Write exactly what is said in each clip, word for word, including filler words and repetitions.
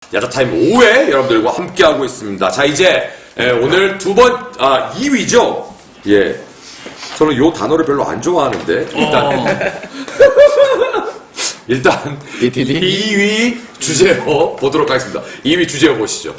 야자타임 오 회 여러분들과 함께하고 있습니다. 자, 이제 예, 오늘 두 번, 아, 이 위죠? 예. 저는 요 단어를 별로 안 좋아하는데 일단 어. 일단 디티디? 이 위 주제어 보도록 하겠습니다. 이 위 주제어 보시죠.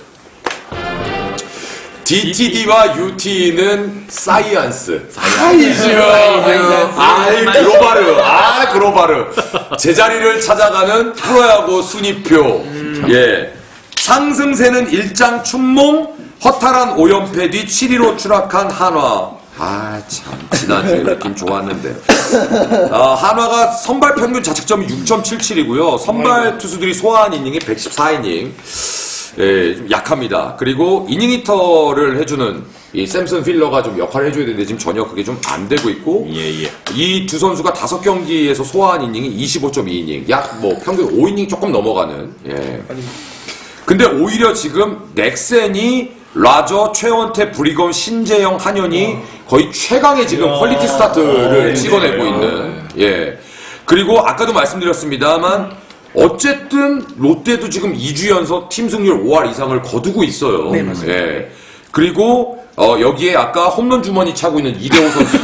디티디와 유티는 사이언스. 사이언스. 아이, 글로바르. 아, 글로바르. 제자리를 찾아가는 프로야구 순위표. 음. 예. 상승세는 일장 춘몽, 허탈한 오 연패 뒤 칠 위로 추락한 한화. 아, 참. 지난주에 느낌 좋았는데. 아, 한화가 선발 평균 자책점이 육 점 칠칠이고요. 선발 투수들이 소화한 이닝이 백십사 이닝. 예, 좀 약합니다. 그리고 이닝 히터를 해주는 이 샘슨 필러가 좀 역할을 해줘야 되는데 지금 전혀 그게 좀 안 되고 있고. 예, 예. 이 두 선수가 다섯 경기에서 소화한 이닝이 이십오 점 이 이닝. 약 뭐 평균 오 이닝 조금 넘어가는. 예. 근데 오히려 지금 넥센이 라저, 최원태, 브리검, 신재영, 한현이 거의 최강의 지금 야. 퀄리티 스타트를 네, 찍어내고 네. 있는. 예. 그리고 아까도 말씀드렸습니다만 어쨌든 롯데도 지금 이 주 연속 팀 승률 오 할 이상을 거두고 있어요. 네, 맞습니다. 예. 그리고 어, 여기에 아까 홈런 주머니 차고 있는 이대호 선수도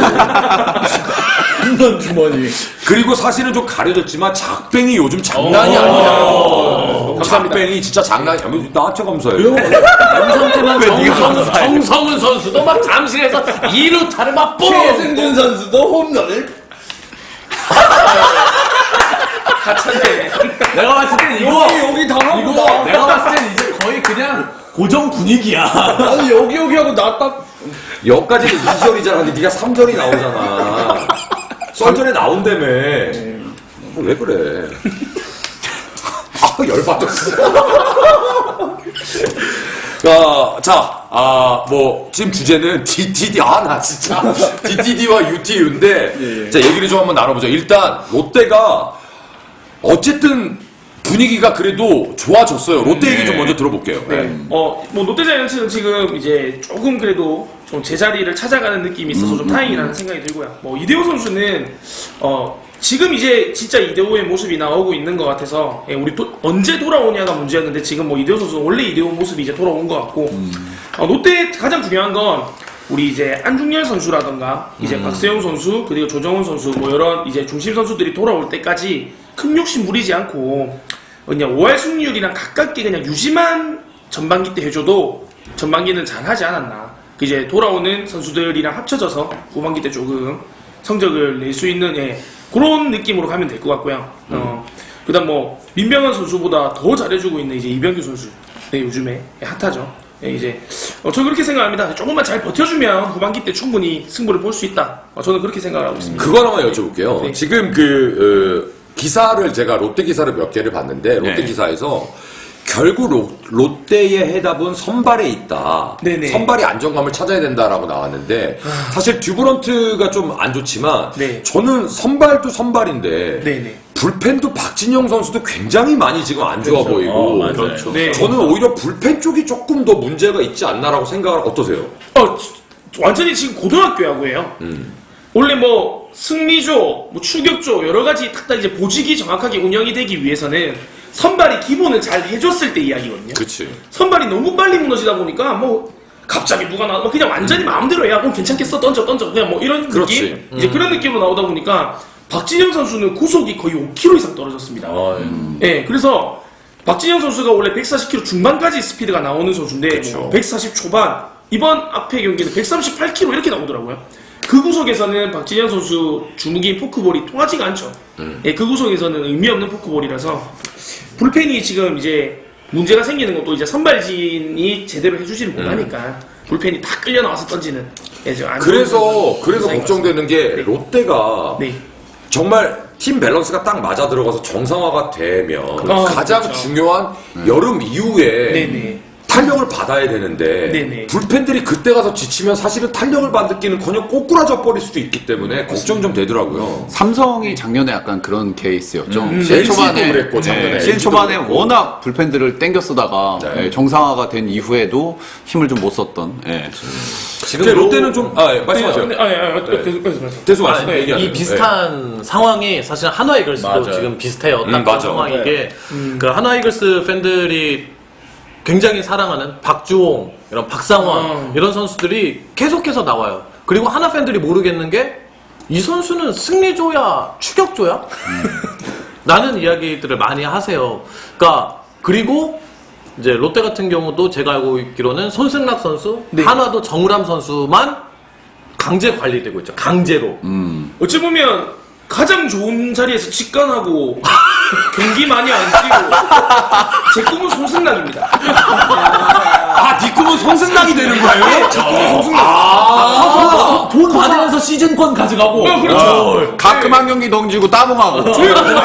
홈런 주머니. 그리고 사실은 좀 가려졌지만 작뱅이 요즘 장난이 아니잖아요. 작뱅이 진짜 장난이 아니야. 나한테 감사해요. 상태만 정성은, 정성은 선수도 막 잠실에서 이 루타를 막 뽕! 최승준 선수도 홈런을 하찮네. 내가 봤을 땐 이거, 여기 여기 다 하고 이거 나. 내가 봤을 땐 이제 거의 그냥 고정 분위기야. 아니 여기 여기 하고 나 딱 여기까지는 이 절이잖아. 근데 네가 삼 절이 나오잖아. 썰전에 나온다며. 어, 왜 그래? 아, 열받았어. 어, 자, 아, 뭐, 지금 주제는 디티디, 아, 나 진짜. 디티디와 유티유인데, 예, 예. 자, 얘기를 좀 한번 나눠보죠. 일단, 롯데가, 어쨌든, 분위기가 그래도 좋아졌어요. 롯데 얘기 좀 먼저 들어볼게요. 네. 어, 뭐 롯데자이언츠는 지금 이제 조금 그래도 좀 제자리를 찾아가는 느낌이 있어서 좀 다행이라는 생각이 들고요. 뭐 이대호 선수는 어, 지금 이제 진짜 이대호의 모습이 나오고 있는 것 같아서 예, 우리 도, 언제 돌아오냐가 문제였는데 지금 뭐 이대호 선수는 원래 이대호 모습이 이제 돌아온 것 같고 어, 롯데 가장 중요한 건 우리 이제 안중열 선수라던가 이제 박세용 선수 그리고 조정훈 선수 뭐 이런 이제 중심 선수들이 돌아올 때까지 큰 욕심 부리지 않고 그냥 오 할 승률이랑 가깝게 그냥 유지만 전반기 때 해줘도 전반기는 잘 하지 않았나. 이제 돌아오는 선수들이랑 합쳐져서 후반기 때 조금 성적을 낼 수 있는 예, 그런 느낌으로 가면 될 것 같고요. 음. 어, 그다음 뭐 민병헌 선수보다 더 잘해주고 있는 이제 이병규 선수. 네, 요즘에 예, 핫하죠. 예, 이제 어, 저 그렇게 생각합니다. 조금만 잘 버텨주면 후반기 때 충분히 승부를 볼 수 있다. 어, 저는 그렇게 생각을 하고 있습니다. 그거 하나만 여쭤볼게요. 네. 지금 그, 어, 기사를 제가 롯데 기사를 몇 개를 봤는데, 롯데 네. 기사에서 결국 로, 롯데의 해답은 선발에 있다. 네네. 선발이 안정감을 찾아야 된다라고 나왔는데, 사실 듀브런트가 좀 안 좋지만, 네. 저는 선발도 선발인데, 네네. 불펜도 박진영 선수도 굉장히 많이 지금 안 좋아 그렇죠. 보이고, 어, 맞아요. 그렇죠. 네. 저는 오히려 불펜 쪽이 조금 더 문제가 있지 않나라고 생각을 어떠세요? 어, 완전히 지금 고등학교 야구예요. 음. 원래 뭐 승리조, 뭐 추격조 여러 가지 탁딱 이제 보직이 정확하게 운영이 되기 위해서는 선발이 기본을 잘 해줬을 때 이야기거든요. 그치. 선발이 너무 빨리 무너지다 보니까 뭐 갑자기 누가 나와 뭐 그냥 완전히 마음대로 해야 뭐 괜찮겠어 던져 던져 그냥 뭐 이런 그렇지. 느낌 이제 그런 느낌으로 나오다 보니까 박진영 선수는 구속이 거의 오 킬로미터 이상 떨어졌습니다. 어, 예, 그래서 박진영 선수가 원래 백사십 킬로미터 중반까지 스피드가 나오는 선수인데 그쵸. 뭐 백사십 초반 이번 앞에 경기는 백삼십팔 킬로미터 이렇게 나오더라고요. 그 구속에서는 박진영 선수 주무기인 포크볼이 통하지가 않죠. 음. 예, 그 구속에서는 의미 없는 포크볼이라서 불펜이 지금 이제 문제가 생기는 것도 이제 선발진이 제대로 해주지를 못하니까 불펜이 다 끌려 나와서 던지는. 예, 좀 안 좋은 그래서, 그래서 현상인 것 걱정되는 게 네. 롯데가 네. 정말 팀 밸런스가 딱 맞아 들어가서 정상화가 되면 아, 가장 그렇죠. 중요한 여름 이후에 네네. 탄력을 받아야 되는데 네네. 불펜들이 그때 가서 지치면 사실은 탄력을 받기는커녕 꼬꾸라져 버릴 수도 있기 때문에 걱정 좀 되더라고요. 삼성이 작년에 약간 그런 케이스였죠. 음, 시즌 엘지도 초반에, 그랬고, 작년에 네, 시즌 엘지도 초반에 그랬고. 워낙 불펜들을 땡겨 쓰다가 네. 예, 정상화가 된 이후에도 힘을 좀 못 썼던. 예. 근데 롯데는 좀 아, 예, 말씀하세요. 네, 아, 예, 아, 네. 계속 말씀. 대수 말씀 아니, 얘기하세요. 이 비슷한 상황이 사실 한화 이글스도 맞아요. 지금 비슷해요. 음, 딱 맞아. 그 상황인 게, 그 한화 이글스 팬들이 굉장히 사랑하는 박주홍, 이런 박상원 어. 이런 선수들이 계속해서 나와요. 그리고 하나 팬들이 모르겠는 게 이 선수는 승리조야 추격조야? 라는 이야기들을 많이 하세요. 그러니까 그리고 이제 롯데 같은 경우도 제가 알고 있기로는 손승락 선수, 네. 한화도 정우람 선수만 강제 관리되고 있죠. 강제로. 어찌 보면 가장 좋은 자리에서 직관하고 경기 많이 안 뛰고 제 꿈은 손승락입니다. 아, 네 꿈은 손승락이 되는 거예요? 제 꿈은 손승락. 아, 돈 받으면서 시즌권 가져가고. 어, 그렇죠. 가끔 한 경기 덩지고 따봉하고. 어,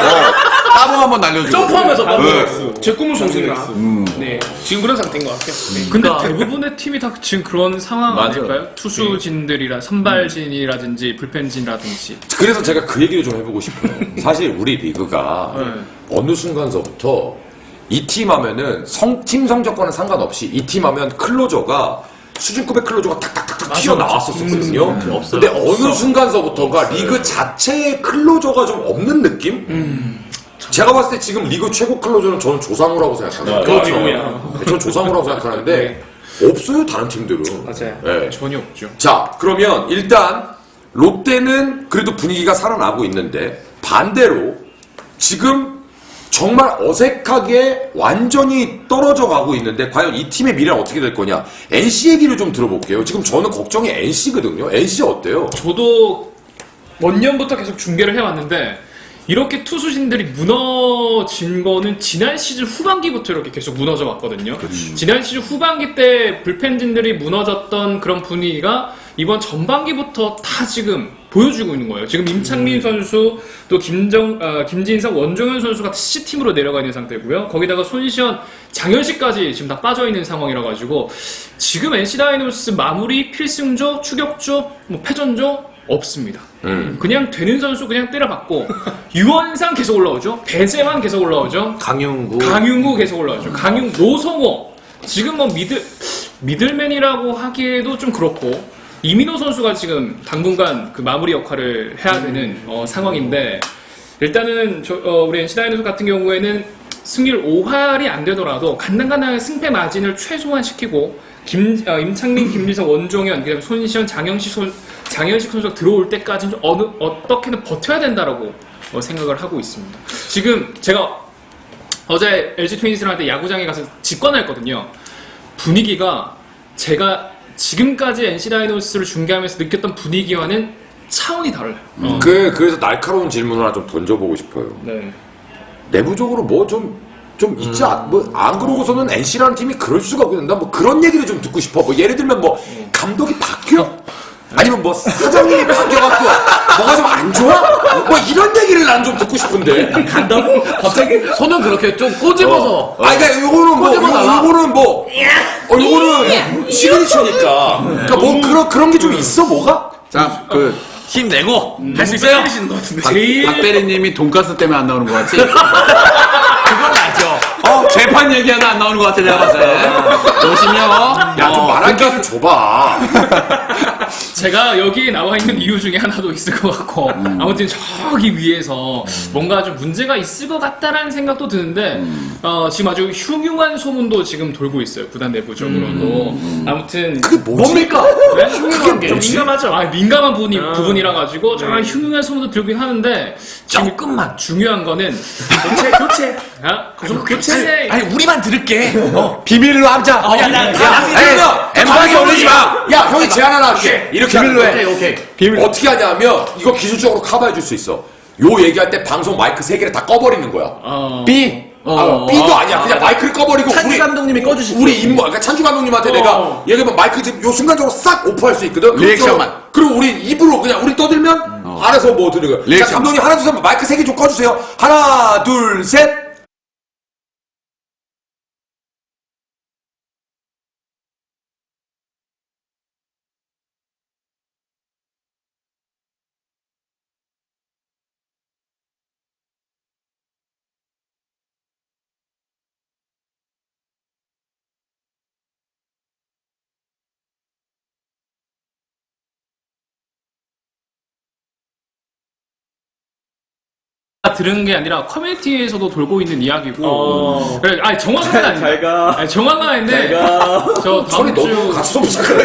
따봉 한번 날려주고. 점프하면서 네. 제 꿈은 손승락. 네, 지금 그런 상태인 것 같아요. 네. 근데 그러니까- 대부분의 팀이 다 지금 그런 상황 맞아요. 아닐까요? 투수진들이라 선발진이라든지 불펜진이라든지. 그래서 제가 그 얘기를 좀 해보고 싶어요. 사실 우리 리그가 네. 어느 순간서부터 이 팀 하면은 성, 팀 성적과는 상관없이 이 팀 하면 클로저가 수준급의 클로저가 탁탁탁탁 튀어나왔었거든요. 없어요. 근데 어느 순간서부터가 리그 자체에 클로저가 좀 없는 느낌? 제가 봤을 때 지금 리그 최고 클로저는 저는 조상우라고 생각합니다. 그렇죠. 저는 조상우라고 생각하는데 없어요, 다른 팀들은. 맞아요. 네. 전혀 없죠. 자, 그러면 일단 롯데는 그래도 분위기가 살아나고 있는데 반대로 지금 정말 어색하게 완전히 떨어져 가고 있는데 과연 이 팀의 미래는 어떻게 될 거냐? 엔씨 얘기를 좀 들어볼게요. 지금 저는 걱정이 엔씨거든요. 엔씨 어때요? 저도 원년부터 계속 중계를 해왔는데 이렇게 투수진들이 무너진 거는 지난 시즌 후반기부터 이렇게 계속 무너져 왔거든요. 지난 시즌 후반기 때 불펜진들이 무너졌던 그런 분위기가 이번 전반기부터 다 지금 보여주고 있는 거예요. 지금 임창민 선수, 또 김정, 어, 김진성, 원종현 선수가 C팀으로 내려가 있는 상태고요. 거기다가 손시현, 장현식까지 지금 다 빠져 있는 상황이라 가지고 지금 엔씨 다이노스 마무리, 필승조, 추격조, 뭐 패전조 없습니다. 음. 그냥 되는 선수 그냥 때려박고 유원상 계속 올라오죠. 배재환 계속 올라오죠. 강윤구. 강윤구 계속 올라오죠. 강윤, 노성호 지금 뭐 미들 미들맨이라고 하기에도 좀 그렇고 이민호 선수가 지금 당분간 그 마무리 역할을 해야 되는 어, 상황인데 일단은 저, 어, 우리 엔씨 다이노스 같은 경우에는 승률 오 할이 안 되더라도 간당간당한 승패 마진을 최소화 시키고 김, 어, 임창민, 김민석, 원종현, 그다음에 손시현, 장영식 선 장현식 선수가 들어올 때까지는 좀 어느 어떻게든 버텨야 된다라고 어, 생각을 하고 있습니다. 지금 제가 어제 엘지 트윈스한테 야구장에 가서 직관을 했거든요. 분위기가 제가 지금까지 엔씨 다이노스를 중계하면서 느꼈던 분위기와는 차원이 달라요. 어. 그, 그래서 날카로운 질문을 하나 좀 던져보고 싶어요. 네. 내부적으로 뭐 좀, 좀 있지, 않, 뭐, 안 그러고서는 엔씨라는 팀이 그럴 수가 없는데, 뭐 그런 얘기를 좀 듣고 싶어. 뭐 예를 들면 뭐, 감독이 바뀌어? 아니면 뭐, 사장님이 바뀌어갖고, 뭐가 좀 안 좋아? 뭐 이런 얘기를 난 좀 듣고 싶은데. 간다고? 갑자기? 손은 그렇게 좀 꼬집어서. 아, 그니까 요거는 뭐, 꼬집어 달라. 요- 요거는 뭐, 어, 요거는 시그니처니까. 그니까 뭐, 그런, 그런 게 좀 있어, 뭐가? 자, 그, 힘내고 할 수 너무 있어요. 때리시는 것 같은데. 박, 제일- 박 대리님이 돈가스 때문에 안 나오는 것 같지? 그건 알죠. 어, 재판 얘기하다 안 나오는 것 같아, 내가 봤을 때. 열심히요. 야, 좀 말할 게 좀 줘봐. 제가 여기에 나와 있는 이유 중에 하나도 있을 것 같고 아무튼 저기 위에서 뭔가 좀 문제가 있을 것 같다라는 생각도 드는데 어, 지금 아주 흉흉한 소문도 지금 돌고 있어요. 구단 내부적으로도. 아무튼 그게 뭐지? 뭡니까? 네? 흉흉한 게 좀 민감하죠? 아, 민감한 부분이, 아. 부분이라 가지고 좀 흉흉한 소문도 들긴 하는데 지금 조금만. 중요한 거는 교체, 교체. 아, 좀 교체. 아니 우리만 들을게. 어. 비밀로 하자. 어, 야, 나, 야, 나, 그러면 엠방에 올리지 마. 야, 형이 제안 하나 할게. 이렇게 하는 거야. 오케이 오케이. 비밀. 어떻게 하냐면 이거 기술적으로 커버해 줄 수 있어. 요 얘기할 때 방송 마이크 세 개를 다 꺼버리는 거야. 어, 비. 아, B도 아니야. 그냥 마이크를 꺼버리고 찬주 우리 감독님이 꺼주시죠. 우리 임무, 그러니까 찬주 감독님한테 어. 내가 얘기하면 마이크 지금 요 순간적으로 싹 오프할 수 있거든. 리액션만. 그리고 우리 입으로 그냥 우리 떠들면 알아서 뭐 들은 거야. 자, 리액션. 감독님 하나 둘 셋 마이크 세 개 좀 꺼주세요. 하나 둘 셋. 다 들은 게 아니라 커뮤니티에서도 돌고 있는 이야기고. 어. 그래, 아니 정확한 건 아닌데. 가. 아니, 정확한 아닌데. 저 소리 다음 너무 주 같이 좀 시작해.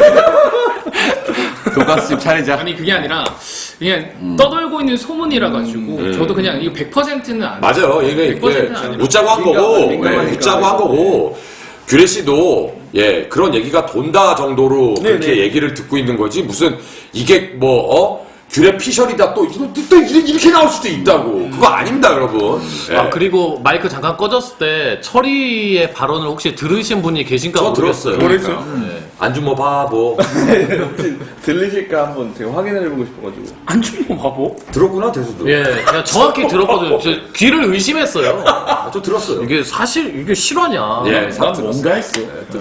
돈가스집 차리자. 아니 그게 아니라 그냥 떠돌고 있는 소문이라 가지고 저도 그냥 이거 백 퍼센트는 안. 맞아요. 이게, 백 퍼센트는 이게 아니라. 웃자고 한 거고, 민감하니까. 예, 웃자고 한 거고, 규래 씨도 예 그런 얘기가 돈다 정도로 네, 그렇게 네. 얘기를 듣고 있는 거지 무슨 이게 뭐 어? 규래 피셜이다 또, 또, 또 이렇게 나올 수도 있다고. 그거 아닙니다, 여러분. 예. 아 그리고 마이크 잠깐 꺼졌을 때 철이의 발언을 혹시 들으신 분이 계신가 저 모르겠어요. 들었어요. 그랬어요? 안주모 바보. 혹시 들리실까 한번 제가 확인해보고 싶어가지고. 안 주면 바보? 들었구나, 대수도. 예, 그냥 정확히 들었거든요. 저 귀를 의심했어요. 아, 저 들었어요. 이게 사실 이게 실화냐? 예, 난 사- 뭔가 했어.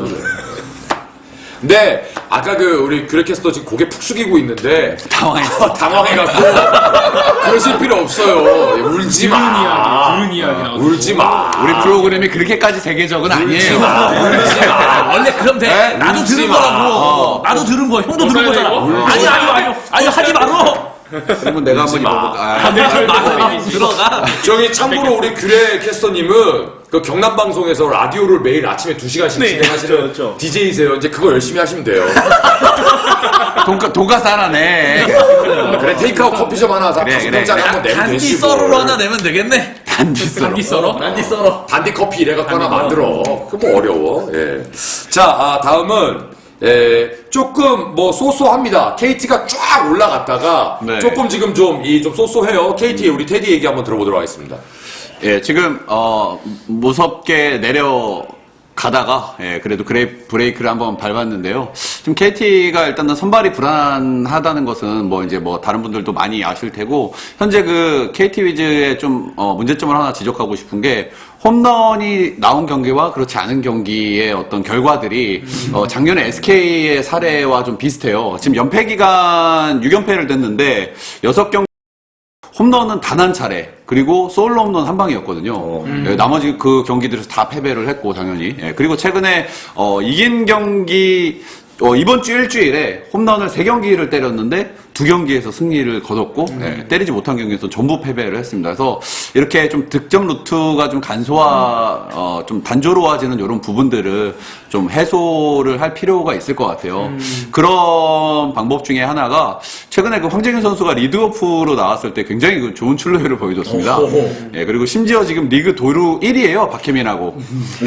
근데 아까 그 우리 규래캐스터 지금 고개 푹 숙이고 있는데 당황했어. 당황해갖고 그러실 필요 없어요. 예, 울지 들은 마. 이야기, 들은 이야기 나오고. 울지 마. 우리 프로그램이 그렇게까지 세계적은 아니에요. 울지 마. 아, 원래 그럼 돼. 네? 나도 울지 들은 마. 거라고. 어. 나도 들은 거야. 형도 들은 벗어야 거잖아. 되고? 아니, 아니, 아니, 아니, 하지 말어. 그러면 내가 한번 마. 입어볼까? 아, 맞아. 들어가. 저기 참고로 우리 규래 캐스터님은 그 경남 방송에서 라디오를 매일 아침에 두 시간씩 네, 진행하시는 그렇죠, 그렇죠. 디제이세요. 이제 그거 열심히 하시면 돼요. 돈가, 돈가스 하나네. 그래 테이크아웃 커피숍 하나 사 그래, 다섯 그래, 병짜리 그래. 한번 내면 단디 되시고. 썰어로 하나 내면 되겠네. 단지 썰어. 단기 썰어? 단디 썰어. 단디 커피 이래갖고 하나 만들어. 그거 뭐 어려워. 예. 자, 아, 다음은 에, 조금 뭐 쏘쏘합니다. 케이티가 쫙 올라갔다가 네. 조금 지금 좀 이 좀 쏘쏘해요. 케이티의 우리 테디 얘기 한번 들어보도록 하겠습니다. 예, 지금 어 무섭게 내려가다가 예, 그래도 그레이 브레이크를 한번 밟았는데요. 지금 케이티가 일단은 선발이 불안하다는 것은 뭐 이제 뭐 다른 분들도 많이 아실 테고 현재 그 케이티 위즈의 좀 어, 문제점을 하나 지적하고 싶은 게 홈런이 나온 경기와 그렇지 않은 경기의 어떤 결과들이 어, 작년에 에스케이의 사례와 좀 비슷해요. 지금 연패 기간 육 연패를 냈는데 여섯 경기 홈런은 단 한 차례, 그리고 솔로 홈런 한 방이었거든요. 예, 나머지 그 경기들에서 다 패배를 했고, 당연히. 예, 그리고 최근에, 어, 이긴 경기, 어, 이번 주 일주일에 홈런을 세 경기를 때렸는데, 두 경기에서 승리를 거뒀고, 예, 때리지 못한 경기에서 전부 패배를 했습니다. 그래서 이렇게 좀 득점 루트가 좀 간소화, 어, 좀 단조로워지는 이런 부분들을 좀 해소를 할 필요가 있을 것 같아요. 그런 방법 중에 하나가 최근에 그 황재균 선수가 리드오프로 나왔을 때 굉장히 그 좋은 출루율을 보여줬습니다. 예, 그리고 심지어 지금 리그 도루 일 위예요, 박혜민하고.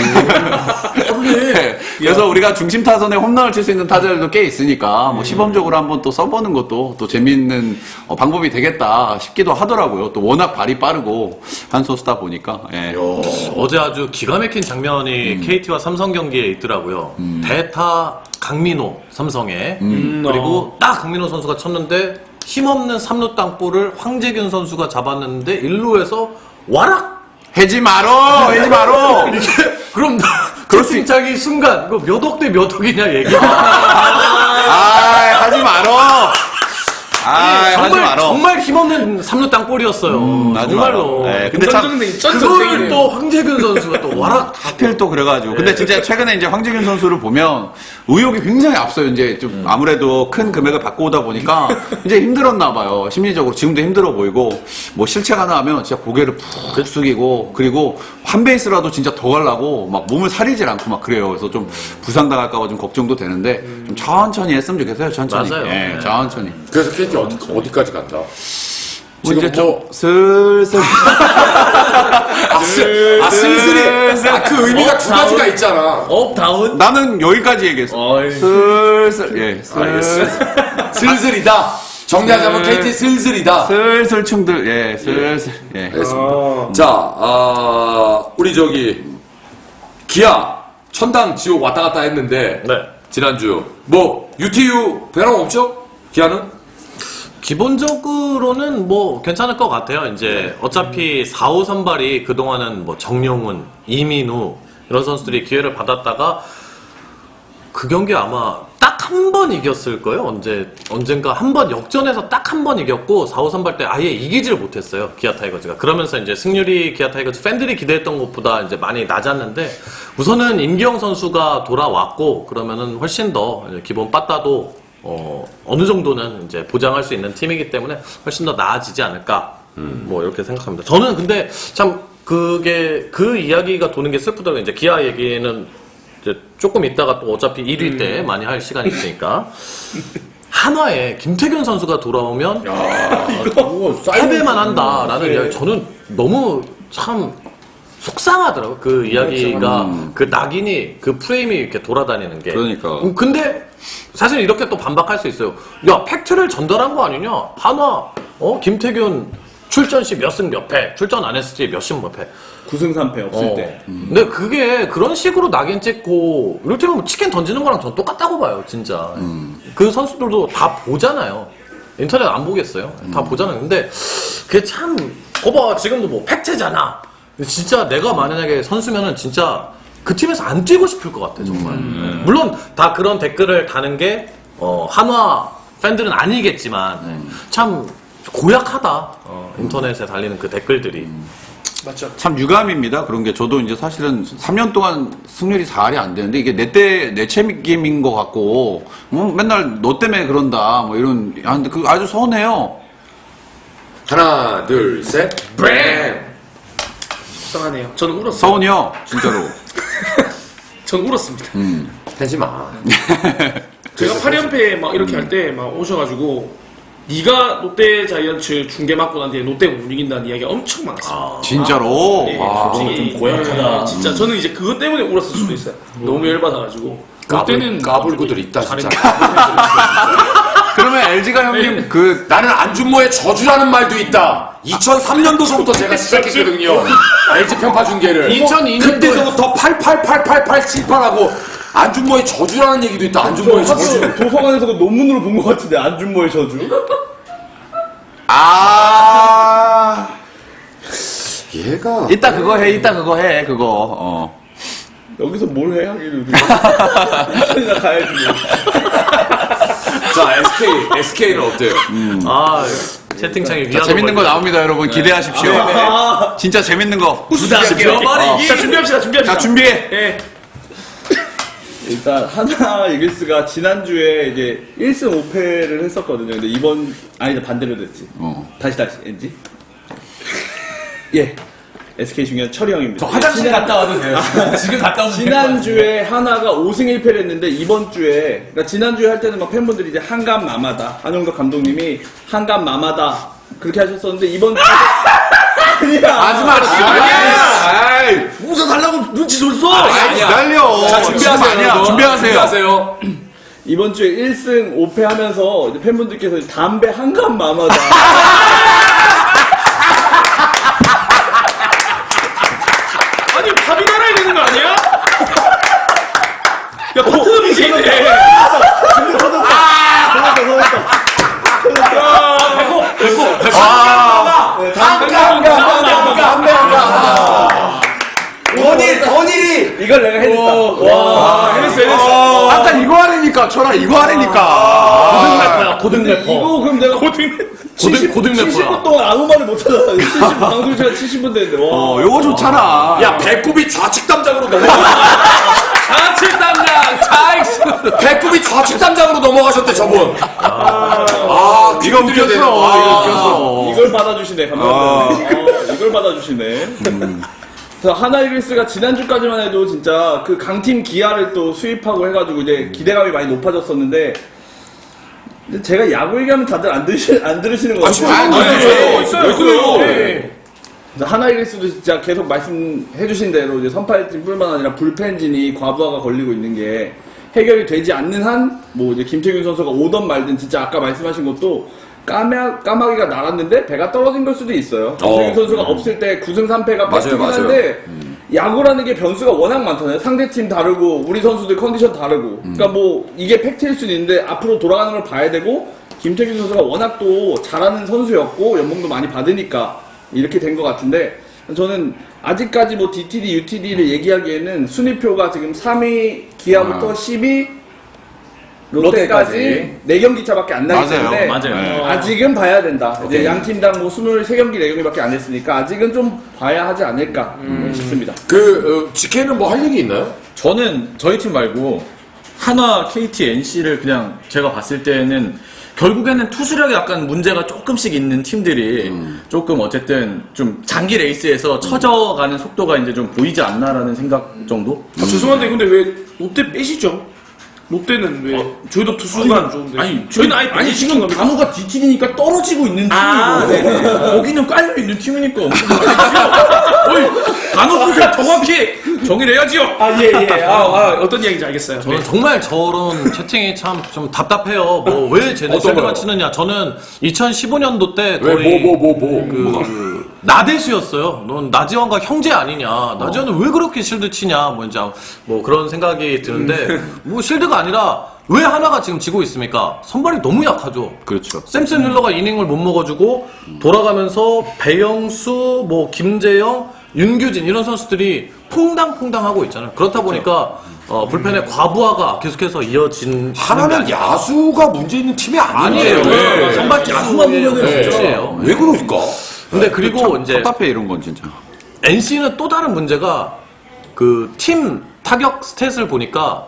네, 그래서 우리가 중심 타선에 홈런을 칠 수 있는 타자들도 꽤 있으니까 뭐 시범적으로 한번 또 써보는 것도 또 재미있는 어, 방법이 되겠다 싶기도 하더라고요. 또 워낙 발이 빠르고 한 선수다 보니까. 예. 어제 아주 기가 막힌 장면이 케이티와 삼성 경기에 있더라고요. 대타 강민호 삼성에 그리고 딱 강민호 선수가 쳤는데 힘없는 삼 루 땅볼을 황재균 선수가 잡았는데 일 루에서 와락 해지 마로, 해지 마로. 그럼 그럴 수 채팅창이 순간 이거 몇 억 대 몇 억이냐 얘기. 아, 하지 마로. 아, 하지 정말 마로. 정말 힘없는 삼 루 땅볼이었어요. 하지 정말로. 마라. 네, 근데 참 전전등이 그걸 전전등이네. 또 황재균 선수가 또 와락 하필 또 그래가지고. 근데 진짜 최근에 이제 황재균 선수를 보면 의욕이 굉장히 앞서요. 이제 좀 아무래도 큰 금액을 받고 오다 보니까 이제 힘들었나 봐요. 심리적으로. 지금도 힘들어 보이고. 뭐 실책 하나 하면 진짜 고개를 푹 숙이고. 그리고 한 베이스라도 진짜 더 가려고 막 몸을 사리질 않고 막 그래요. 그래서 좀 부상당할까봐 좀 걱정도 되는데 좀 천천히 했으면 좋겠어요. 천천히. 맞아요. 예, 네. 천천히. 그래서 케이티 어디, 어디까지 간다? 뭐 이제 지금 좀 뭐- 슬슬. 아, 슬, 아 슬슬이. 아, 그 의미가 두 가지가 있잖아. 업, 다운. 나는 여기까지 얘기했어. 어이. 슬슬, 예, 알겠어. 슬슬. 슬슬이다. 정리하자면 슬- 케이티 슬슬이다. 슬슬 충들, 예, 슬슬, 예. 알겠습니다. 자, 아, 우리 저기 기아 천당 지옥 왔다 갔다 했는데 네. 지난주 뭐 유티유 변함 없죠? 기아는? 기본적으로는 뭐 괜찮을 것 같아요. 이제 어차피 사 호 선발이 그동안은 뭐 정용훈, 이민우 이런 선수들이 기회를 받았다가 그 경기 아마 딱 한 번 이겼을 거예요. 언제 언젠가 한 번 역전해서 딱 한 번 이겼고 사 호 선발 때 아예 이기지를 못했어요. 기아 타이거즈가. 그러면서 이제 승률이 기아 타이거즈 팬들이 기대했던 것보다 이제 많이 낮았는데 우선은 임기영 선수가 돌아왔고 그러면은 훨씬 더 이제 기본 빠따도 어, 어느 정도는 이제 보장할 수 있는 팀이기 때문에 훨씬 더 나아지지 않을까 뭐 이렇게 생각합니다. 저는 근데 참 그게 그 이야기가 도는 게 슬프더라고요. 이제 기아 얘기는 이제 조금 있다가 또 어차피 일 위 때 많이 할 시간이 있으니까 한화에 김태균 선수가 돌아오면 패배만 한다라는 이야기 저는 너무 참 속상하더라고요. 그 이야기가 그 낙인이 그 프레임이 이렇게 돌아다니는 게. 그러니까. 음, 근데 사실 이렇게 또 반박할 수 있어요. 야 팩트를 전달한 거 아니냐? 한화 어 김태균 출전 시 몇 승 몇 패, 출전 안 했을 때 몇 승 몇 패. 구 승 삼 패 없을 어. 때. 근데 그게 그런 식으로 낙인 찍고 이를테면 치킨 던지는 거랑 전 똑같다고 봐요, 진짜. 그 선수들도 다 보잖아요. 인터넷 안 보겠어요? 다 보잖아요. 근데 그게 참, 거봐, 지금도 뭐 팩트잖아. 근데 진짜 내가 만약에 선수면은 진짜 그 팀에서 안 뛰고 싶을 것 같아, 정말. 물론 다 그런 댓글을 다는 게, 어, 한화 팬들은 아니겠지만, 참 고약하다. 어, 인터넷에 달리는 그 댓글들이. 맞죠. 참 유감입니다. 그런 게 저도 이제 사실은 삼 년 동안 승률이 사 할이 안 되는데 이게 내 때 내 책임인 것 같고 뭐 맨날 너 때문에 그런다 뭐 이런 아, 근데 그 아주 서운해요. 하나, 둘, 셋, 뱅! 속상하네요. 저는 울었어요. 서운해요, 진짜로. 전 울었습니다. 하지 마. 제가 팔 연패 막 이렇게 할 때 막 오셔가지고 네가 롯데 자이언츠 중계 맞고 난 뒤에 롯데가 못 이긴다는 이야기가 엄청 많았어요. 진짜로. 네, 와. 솔직히 좀 고약하다. 네, 진짜 저는 이제 그것 때문에 울었을 수도 있어요. 너무 열받아가지고. 롯데는 까불고들 있다, 진짜. 그러면 엘지가 형님 그 나는 안준모의 저주라는 말도 있다. 이천삼 년도서부터 제가 시작했거든요. 엘지 편파 중계를. 이천이 년도에 그때서부터 팔팔팔팔팔칠팔하고 안준모의 저주라는 얘기도 있다. 안준모의 저주. 학교 도서관에서 그 논문으로 본 것 같은데 안준모의 저주. 아. 얘가 이따 그거 해, 이따 그거 해, 그거. 어. 여기서 뭘 해 하기를. 인천이나 가야지. 뭐. 자 에스케이 에스케이는 어때요? 아, 채팅창에 자, 위안을 재밌는 거 걸고. 나옵니다, 여러분. 기대하십시오. 진짜 재밌는 거. 부담스럽게. 자 준비합시다. 준비합시다. 자, 준비해. 예. 일단 하나 이글스가 지난주에 이제 일 승 오 패를 했었거든요. 근데 이번 아니다 반대로 됐지. 어. 다시 다시 엔지. 예. 에스케이 중요한 철이 형입니다. 저 화장실 갔다 와도 돼요. 지금 갔다 오면 지난주에 하나가 오 승 일 패를 했는데 이번 주에 그러니까 지난주에 할 때는 막 팬분들이 이제 한감 마마다 한용덕 감독님이 한감 마마다 그렇게 하셨었는데 이번 주에 아니야 하지마, 아니야. 웃어달라고 눈치 줬어. 아이, 기다려. 자 준비하세요. 아니야, 여러분. 준비하세요. 준비하세요. 이번 주에 일 승 오 패 하면서 이제 팬분들께서 담배 한감 마마다 아니 밥이 날아야 되는 거 아니야? 야 파트너 비제이네. 원일 원일이 이걸 내가 해냈다. 와 해냈어 해냈어. 아까 이거 하라니까, 철아, 이거 하라니까. 고등 래퍼야, 고등 근데 래퍼. 이거 그럼 내가 고등 고등, 고등 칠십 분 래퍼야. 동안 아무 말을 못 하잖아. 칠십 방송 시간 칠십 분 됐는데 와. 어, 요거 좋잖아. 야 배꼽이 좌측 담장으로 넘어가. 좌측 담장, 차익스. 배꼽이 좌측 담장으로 넘어가셨대 저분. 아 이거 웃겼어. 되네. 이거 아. 웃겼어. 이걸 받아주시네, 감사합니다. 어, 이걸 받아주시네. 그래서 하나 이글스가 지난주까지만 해도 진짜 그 강팀 기아를 또 수입하고 해가지고 이제 기대감이 많이 높아졌었는데, 근데 제가 야구 얘기하면 다들 안, 들으시, 안 들으시는 것 아, 진짜 같아요. 안 들으세요. 있어요 있어요. 있어요. 네. 그래서 하나 이글스도 진짜 계속 말씀해주신 대로 이제 선발진뿐만 아니라 불펜진이 과부하가 걸리고 있는 게 해결이 되지 않는 한, 뭐 이제 김태균 선수가 오던 말든 진짜 아까 말씀하신 것도 까마, 까마귀가 날았는데 배가 떨어진 걸 수도 있어요. 김태균 어. 선수가 없을 때 구 승 삼 패가 맞아요, 뺏기긴 맞아요. 한데 야구라는 게 변수가 워낙 많잖아요. 상대팀 다르고 우리 선수들 컨디션 다르고. 그러니까 뭐 이게 팩트일 수는 있는데 앞으로 돌아가는 걸 봐야 되고 김태균 선수가 워낙 또 잘하는 선수였고 연봉도 많이 받으니까 이렇게 된 것 같은데 저는 아직까지 뭐 디티디, 유티디를 얘기하기에는 순위표가 지금 삼 위 기아부터 아. 십 위 롯데까지 네 경기 차밖에 안 나기 맞아요. 때문에 맞아요. 네. 아직은 봐야 된다. 이제 오케이. 양 팀당 뭐 이십삼 경기 네 경기밖에 안 했으니까 아직은 좀 봐야 하지 않을까 싶습니다. 그 어, 지케는 뭐 할 얘기 있나요? 저는 저희 팀 말고 한화, 케이티, 엔씨를 그냥 제가 봤을 때는 결국에는 투수력에 약간 문제가 조금씩 있는 팀들이 조금 어쨌든 좀 장기 레이스에서 처져가는 속도가 이제 좀 보이지 않나라는 생각 정도? 아, 죄송한데 근데 왜 롯데 빼시죠? 롯데는 왜 저희도 투수가 안 좋은데 아니, 저희는 아예 아니 시킨 지금 겁니다. 단호가 뒷팀이니까 떨어지고 있는 팀이고 아, 거기는 깔려 있는 팀이니까 어이 단호 투수 정확히 정의를 해야지요. 아, 예, 예. 아, 아, 어떤 이야기인지 알겠어요. 저는 정말 저런 채팅이 참 좀 답답해요. 뭐 왜 쟤네 어떤 거요? 쉴드만 치느냐. 저는 이천십오 년도 때 왜 거의 뭐 뭐 뭐 뭐 그 나대수였어요. 넌 나지원과 형제 아니냐. 나지원은 왜 그렇게 실드 치냐. 뭐 이제 뭐 그런 생각이 드는데 뭐 실드가 아니라 왜 하나가 지금 지고 있습니까? 선발이 너무 약하죠. 그렇죠. 샘슨 힐러가 이닝을 못 먹어주고 돌아가면서 배영수, 뭐 김재영, 윤규진 이런 선수들이 퐁당퐁당 하고 있잖아요. 그렇다 보니까 어, 불펜의 과부하가 계속해서 이어진 하나는 야수가 문제 있는 팀이 아니에요. 아니에요. 네. 선발 야수만 보면은 네. 문제예요. 왜 그럴까? 근데 그리고 이제 답답해 이런 건 진짜. 엔씨는 또 다른 문제가 그 팀 타격 스탯을 보니까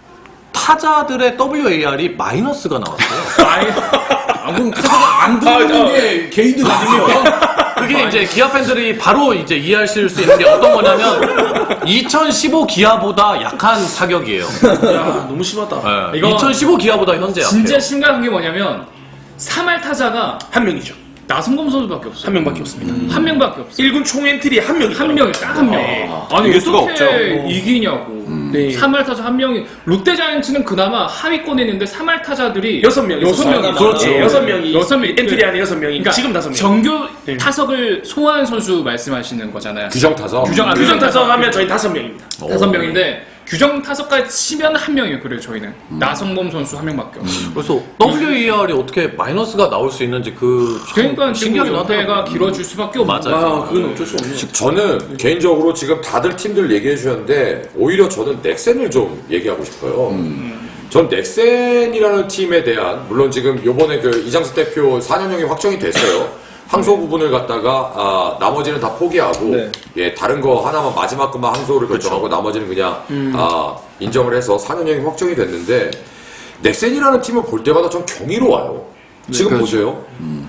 타자들의 더블유에이알이 마이너스가 나왔어요. 아, 그럼 타자가 안 들어오는 게 개인들 아닙니까? 그게 이제 기아 팬들이 바로 이제 이해하실 수 있는 게 어떤 거냐면 이천십오 기아보다 약한 타격이에요. 야, 너무 심하다. 네. 이거 이천십오 기아보다 현재 진짜 약해요. 심각한 게 뭐냐면 삼 할 타자가 한 명이죠. 나성범 선수밖에 없어요. 한 명밖에 없습니다. 한 명밖에 없어요. 일 군 총 엔트리 한 명이 한 명이 딱 한 명. 아니 이길 수가 어떻게 없죠. 이기냐고. 네. 삼 할 타자 한 명이 롯데자이언츠는 그나마 하위권에 있는데 삼 할 타자들이 여섯 명, 여섯 명이 그렇죠. 네. 여섯 명이 여섯 명 엔트리 안에 여섯 명이 그러니까 지금 다섯 명. 정규 네. 타석을 소화한 선수 말씀하시는 거잖아요. 규정 타서 규정 아, 규정 타석 하면 저희 다섯 명입니다. 다섯 명인데 규정 타석까지 치면 한 명이에요. 그래요 저희는 나성범 선수 한 명밖에 없어요. 그래서 더블유에이알이 어떻게 마이너스가 나올 수 있는지 그 그러니까 지금 신기하긴 연패가 하더라고요. 길어질 수밖에 없는 맞아요. 거예요. 아, 그건 어쩔 수 없네요. 저는 개인적으로 지금 다들 팀들 얘기해 주셨는데 오히려 저는 넥센을 좀 얘기하고 싶어요. 전 넥센이라는 팀에 대한 물론 지금 요번에 그 이장수 대표 사 년형이 확정이 됐어요. 항소 부분을 갖다가 아, 나머지는 다 포기하고 네. 예 다른 거 하나만 마지막 것만 항소를 결정하고 나머지는 그냥 아, 인정을 해서 사 년형이 확정이 됐는데 넥센이라는 팀을 볼 때마다 전 경이로워요. 지금 보세요.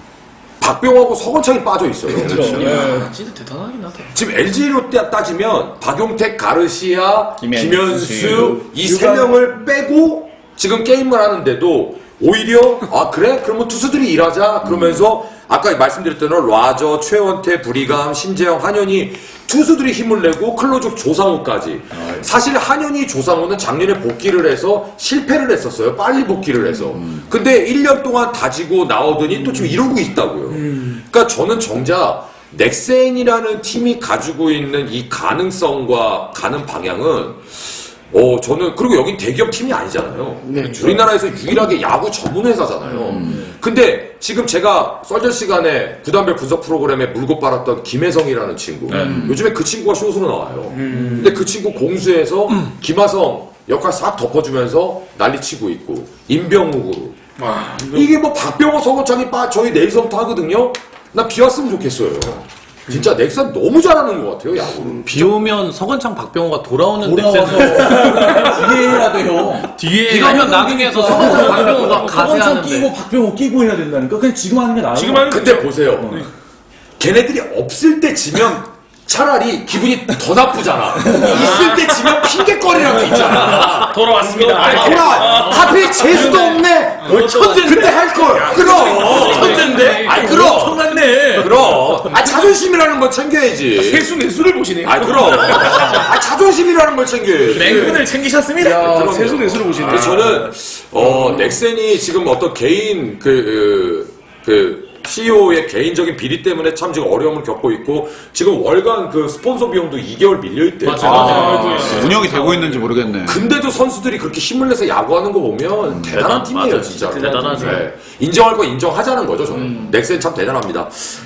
박병호하고 서건창이 빠져 있어요. 야, 진짜 대단하긴 하다. 지금 엘지로 따지면 박용택, 가르시아, 김현수, 김현수 이 세 명을 빼고 지금 게임을 하는데도 오히려 아 그래? 그러면 투수들이 일하자 그러면서 아까 말씀드렸던 라저, 최원태, 브리감, 신재영, 한현희 투수들이 힘을 내고 클로즈 조상우까지 사실 한현희, 조상우는 작년에 복귀를 해서 실패를 했었어요. 빨리 복귀를 해서 근데 일 년 동안 다지고 나오더니 또 지금 이러고 있다고요. 그러니까 저는 정작 넥센이라는 팀이 가지고 있는 이 가능성과 가는 방향은 어, 저는, 그리고 여긴 대기업 팀이 아니잖아요. 우리나라에서 유일하게 야구 전문 회사잖아요. 근데 지금 제가 썰전 시간에 구단별 분석 프로그램에 물고 빨았던 김혜성이라는 친구. 요즘에 그 친구가 쇼스로 나와요. 근데 그 친구 공수에서 김하성 역할 싹 덮어주면서 난리치고 있고, 임병욱으로. 이게 뭐 박병호, 서건창이 빠, 저희 내일서부터 하거든요? 나 비왔으면 좋겠어요. 진짜 넥센 너무 잘하는 것 같아요, 야구를. 비 오면 서건창 박병호가 돌아오는 돌아와서 넥센 뒤에 해야 돼요. 뒤에 비가면 나중에서 서건창 박병호가 서건창 가세하는데 끼고 박병호 끼고 해야 된다니까. 그냥 지금 하는 게 나아요. 지금 하는 근데 보세요. 걔네들이 없을 때 지면 차라리 기분이 더 나쁘잖아. 있을 때 지면 핑계거리라도 있잖아. 돌아왔습니다. 아니, 돌아! 하필 재수도 없네! 천재인데? 그때 할걸! 그럼! 천재인데? 아니, 그럼! 엄청났네. 그럼! 아, 자존심이라는 걸 챙겨야지. 세수 내수를 보시네요. 아, 그럼! 아, 자존심이라는 걸 챙겨야지. 맹근을 챙기셨습니다. 야, 세수 내수를 보시네. 그래서 저는 어 넥센이 지금 어떤 개인 그, 그, 그 씨이오의 개인적인 비리 때문에 참 지금 어려움을 겪고 있고 지금 월간 그 스폰서 비용도 이 개월 밀려 있대요. 맞아, 맞아. 운영이 되고 있는지 모르겠네. 근데도 선수들이 그렇게 힘을 내서 야구하는 거 보면 대단한 팀이에요, 맞아, 진짜. 대단하죠. 인정할 거 인정하자는 거죠, 저는. 넥센 참 대단합니다.